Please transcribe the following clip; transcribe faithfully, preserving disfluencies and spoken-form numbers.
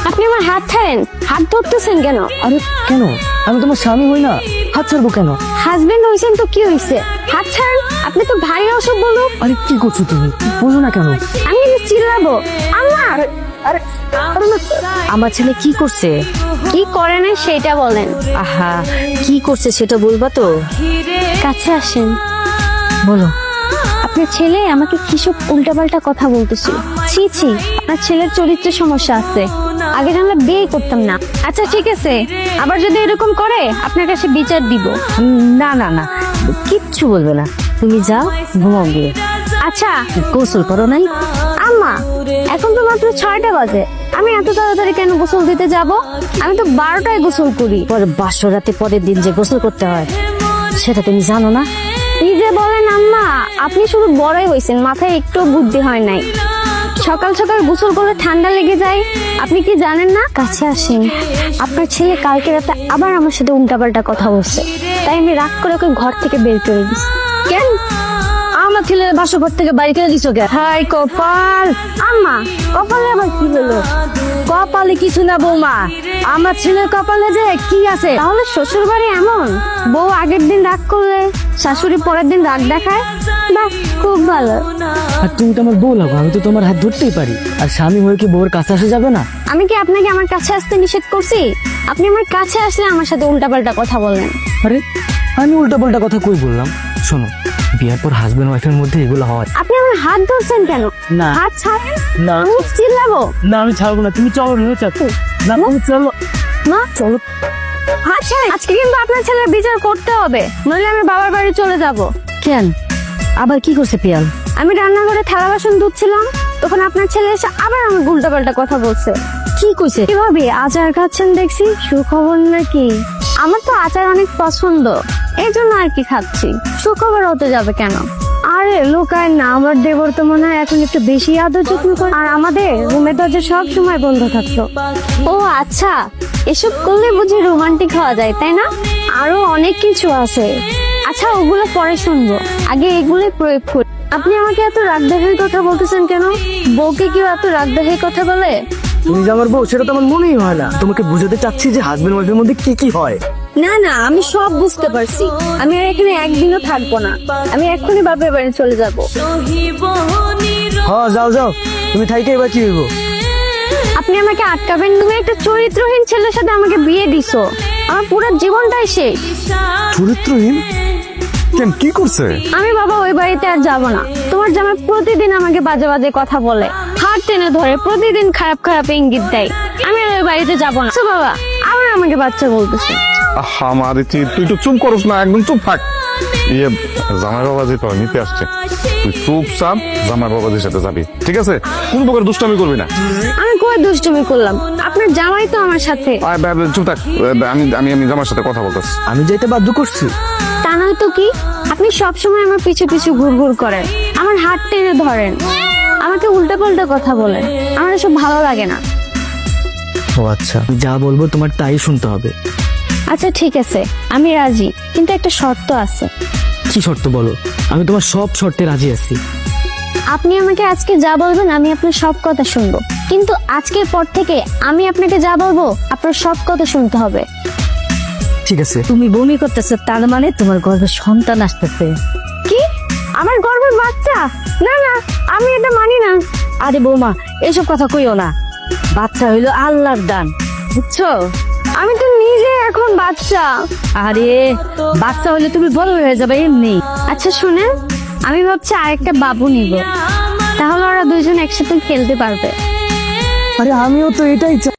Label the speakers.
Speaker 1: আপনি আমার হাত ছাড়েন, হাত ধরতেছেন কেন?
Speaker 2: আরে কেন? আমি তোমার স্বামী হই না, হাত ছাড়বো কেন?
Speaker 1: হাজবেন্ড হইছেন তো কি হইছে, হাত ছাড়েন। আপনি তো ভারী অসভ্য লোক।
Speaker 2: আরে কি করছো তুমি? বোঝো না কেন?
Speaker 1: আমি কিন্তু চিল্লাবো। আম্মা,
Speaker 2: আরে আমার ছেলে কি করছে?
Speaker 1: কি করে না সেটা বলেন।
Speaker 2: আহা, কি করছে সেটা বলবা তো?
Speaker 1: কাছে আসেন।
Speaker 2: বলো।
Speaker 1: আপনার ছেলে আমাকে কিসব উল্টাপাল্টা কথা বলতেছিল। ছি ছি, আপনার ছেলের চরিত্রের সমস্যা আছে। আগে জানলে বিয়ে করতাম না। আচ্ছা ঠিক আছে, আবার যদি এরকম করে আপনার কাছে বিচার দিব।
Speaker 2: উম, না না না, কিচ্ছু বলবে না। তুমি যাও, ঘুমাও গিয়ে।
Speaker 1: আচ্ছা
Speaker 2: গোসল করো নাই?
Speaker 1: আম্মা, এখন তো মাত্র ছয়টা বাজে, আমি এত তাড়াতাড়ি কেন গোসল দিতে যাব? আমি তো বারোটায় গোসল করি।
Speaker 2: পরে বাসর রাতে পরের দিন যে গোসল করতে হয় সেটা তুমি জানো না?
Speaker 1: কি যে বলেন আম্মা, আপনি শুধু বড়ই হয়েছেন, মাথায় একটু বুদ্ধি হয় নাই। সকাল সকাল গোসল করলে ঠান্ডা লেগে যায়, আপনি কি জানেন না? কাছে আসেন। আপনার ছেলে কালকে রাতে আবার আমার সাথে উল্টাপাল্টা কথা বলছে, তাই আমি রাগ করে ওকে ঘর থেকে বের করে দিচ্ছি।
Speaker 2: কেন আমার ছেলের বাসর থেকে বাড়ি করে দিছো কেন? হাই কপাল!
Speaker 1: আম্মা, কপালে আবার কি হলো?
Speaker 2: কপালে কিছু না বৌমা, আমার ছেলের কপালে যে কি আছে।
Speaker 1: তাহলে শ্বশুর বাড়ি এমন, বউ আগের দিন রাগ করলে শাশুড়ি পরের দিন রাগ দেখায়? বাহ, খুব ভালো।
Speaker 2: আর তুমি তো আমার বউ লাগো, আমি তো তোমার হাত ধরতেই পারি। আর স্বামী হয়ে কি বউর কাছে আসা যাবে না?
Speaker 1: আমি কি আপনাকে আমার কাছে আসতে নিষেধ করছি? আপনি আমার কাছে আসলে আমার সাথে উল্টাপাল্টা কথা বলেন।
Speaker 2: আরে আমি উল্টা পাল্টা কথা কই বললাম? শোনো, বিয়ার পর হাজবেন্ড ওয়াইফের মধ্যে এগুলো হয়।
Speaker 1: আপনি আমার হাত ধরছেন কেন?
Speaker 2: না।
Speaker 1: হাত ছাড়েন।
Speaker 2: না।
Speaker 1: আমি চিল্লাবো।
Speaker 2: না আমি ছাড়বো না, তুমি চলো না, চাচ্ছ না, তুমি চলো
Speaker 1: মা,
Speaker 2: চলো।
Speaker 1: হাত ছাড়েন। আজকে কিন্তু আপনার ছেলের বিচার করতে হবে, নইলে আমি বাবার বাড়ি চলে যাব।
Speaker 2: কেন আবার কি করছে পিয়াল?
Speaker 1: আমি রান্নাঘরে থালা বাসন ধুচ্ছিলাম, তখন আপনার ছেলে এসে আবার আমার উল্টাপাল্টা কথা বলছে।
Speaker 2: কি কইছে?
Speaker 1: কিভাবে আচার খাচ্ছেন দেখছি, সুখবর নাকি? আমার তো আচার অনেক পছন্দ, এই জন্য আর কি খাচ্ছি। সুখবর হতে যাবে কেন? আরে লোকায় না, আমার দেবর তো মনে হয় এখন একটু বেশি আদর যত্ন করে। আর আমাদের রুমের দরজা সব সময় বন্ধ থাকতো। ও আচ্ছা, এসব করলে বুঝি রোমান্টিক হওয়া যায়, তাই না? আরো অনেক কিছু আছে। আচ্ছা ওগুলো পরে শুনবো, আগে এগুলো প্রয়োগ করি। আপনি আমাকে এত রাগ দেখার কথা বলতেছেন কেন? বউকে কেউ এত রাগ দেখার কথা বলে?
Speaker 2: তুমি যে আমার বউ সেটা তো আমার মনেই হয় না। তোমাকে বুঝাতে চাচ্ছি যে হাজবেন্ড ওয়াইফের মধ্যে কি কি হয়।
Speaker 1: না না, আমি সব বুঝতে পারছি। আমি আর এখানে একদিনও থাকবো না, আমি এক্ষুনি বাপের বাড়ি চলে যাব।
Speaker 2: হ্যাঁ যাও যাও, তুমি থাইকে এবার কি হইব?
Speaker 1: আপনি আমাকে আটকাবেন? তুমি একটা চরিত্রহীন ছেলের সাথে আমাকে বিয়ে দিছো, আমার পুরো জীবনটাই শেষ।
Speaker 3: চরিত্রহীন কেন, কি করছে?
Speaker 1: আমি বাবা ওই বাড়িতে আর যাব না। তোমার জামাই প্রতিদিন আমাকে বাজে বাজে কথা বলে, হাত টেনে ধরে, প্রতিদিন খারাপ খারাপ ইঙ্গিত দেয়। আমি আর ওই বাড়িতে যাব না। আচ্ছা বাবা, আবার আমাকে বাচ্চা বলতেছে।
Speaker 3: আমার তুই একটু চুপ করস না, একদম চুপ থাক। ইয়ে জামাই বাবাজি তো নিতে আসছে, তুই চুপচাপ জামাই বাবাজির সাথে যাবি, ঠিক আছে? কোন প্রকার দুষ্টামি করবি না।
Speaker 1: আমি কই দুষ্টুমি করলাম? আপনার জামাই তো আমার সাথে।
Speaker 3: আয়, বে- বে- চুপ থাক, আমি আমি আমি জামার সাথে কথা বলতেছি।
Speaker 2: আমি যাইতে বাধ্য করছি?
Speaker 1: তা নয় তো কি, আপনি সবসময় আমার পিছু পিছু ঘুর ঘুর করেন, আমার হাত টেনে ধরেন, আমাকে উল্টা পাল্টা কথা বলেন। আমার এসব ভালো লাগে না।
Speaker 2: ও আচ্ছা, আমি যা বলবো তোমার তাই শুনতে হবে।
Speaker 1: আচ্ছা ঠিক আছে, আমি রাজি, কিন্তু একটা শর্ত আছে।
Speaker 2: কি শর্ত বলো? আমি তোমার সব শর্তে রাজি আছি।
Speaker 1: আপনি আমাকে আজকে যা বলবেন আমি আপনার সব কথা শুনবো, কিন্তু আজকের পর থেকে আমি আপনাকে যা বলবো আপনার সব কথা শুনতে হবে।
Speaker 2: ঠিক আছে। তুমি বমি করতেছো, তার মানে তোমার গর্ভে সন্তান আসতেছে।
Speaker 1: কি? আমার গর্ভের বাচ্চা? না না, আমি এটা মানি না।
Speaker 2: আরে বৌমা, এসব কথা কইও না। বাচ্চা হইলো আল্লাহর দান, বুঝছো?
Speaker 1: আমি তো নিজে এখন বাচ্চা।
Speaker 2: আরে বাচ্চা হইলে তুমি বড় হয়ে যাবে এমনি।
Speaker 1: আচ্ছা শুনেন, আমি ভাবছি আরেকটা বাবু নিব, তাহলে ওরা দুইজন একসাথে খেলতে পারবে।
Speaker 2: আরে আমিও তো এটাই চাই।